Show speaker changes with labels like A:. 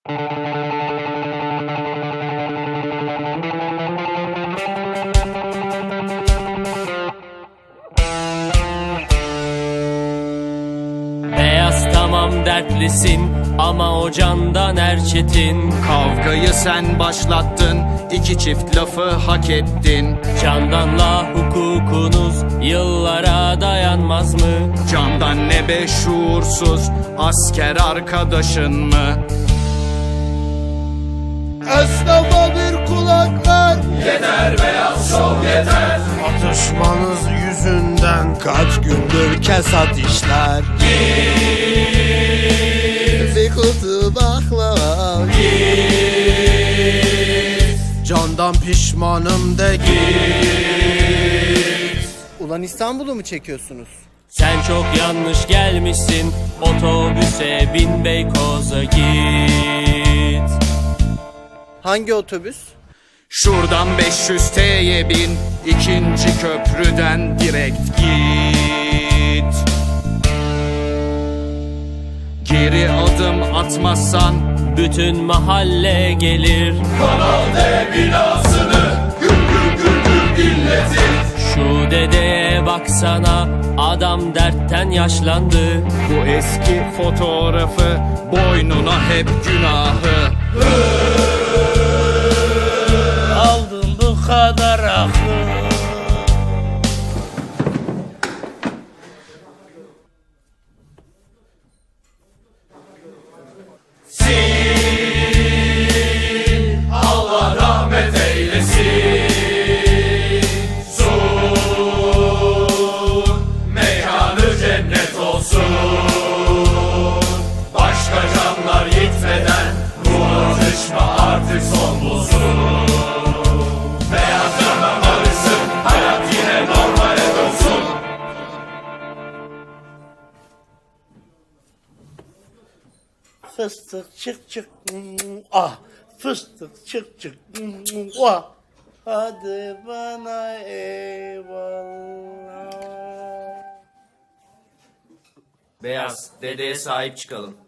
A: Beyaz tamam dertlisin ama o candan erçetin.
B: Kavgayı sen başlattın, iki çift lafı hak ettin.
A: Candanla hukukunuz yıllara dayanmaz mı?
B: Candan ne be şuursuz, asker arkadaşın mı?
C: Esnafa bir kulak ver.
B: Yeter beyaz şov yeter.
C: Atışmanız yüzünden kaç gündür kesat işler. Bir kutu baklava. Candan pişmanım de git. Ulan İstanbul'u mu çekiyorsunuz?
A: Sen çok yanlış gelmişsin, otobüse bin Beykoz'a git.
C: Hangi otobüs?
B: Şuradan 500 T'ye bin, ikinci köprüden direkt git. Geri adım atmazsan
A: Bütün mahalle gelir.
B: Kanal D binasını gül gül gül gül inletir.
A: Şu dedeye baksana, adam dertten yaşlandı.
B: Bu eski fotoğrafı boynuna hep günahı.
C: Aldım bu kadar akıl.
B: Allah rahmet eylesin. Sur mekanı cennet olsun. Başka canlar gitmeden bu atışma artık son bulsun. Beyaz yana barışsın, hayat yine normale dönsün.
C: Fıstık çık çık ah, fıstık çık çık ah, hadi bana eyvallah.
A: Beyaz, dedeye sahip çıkalım.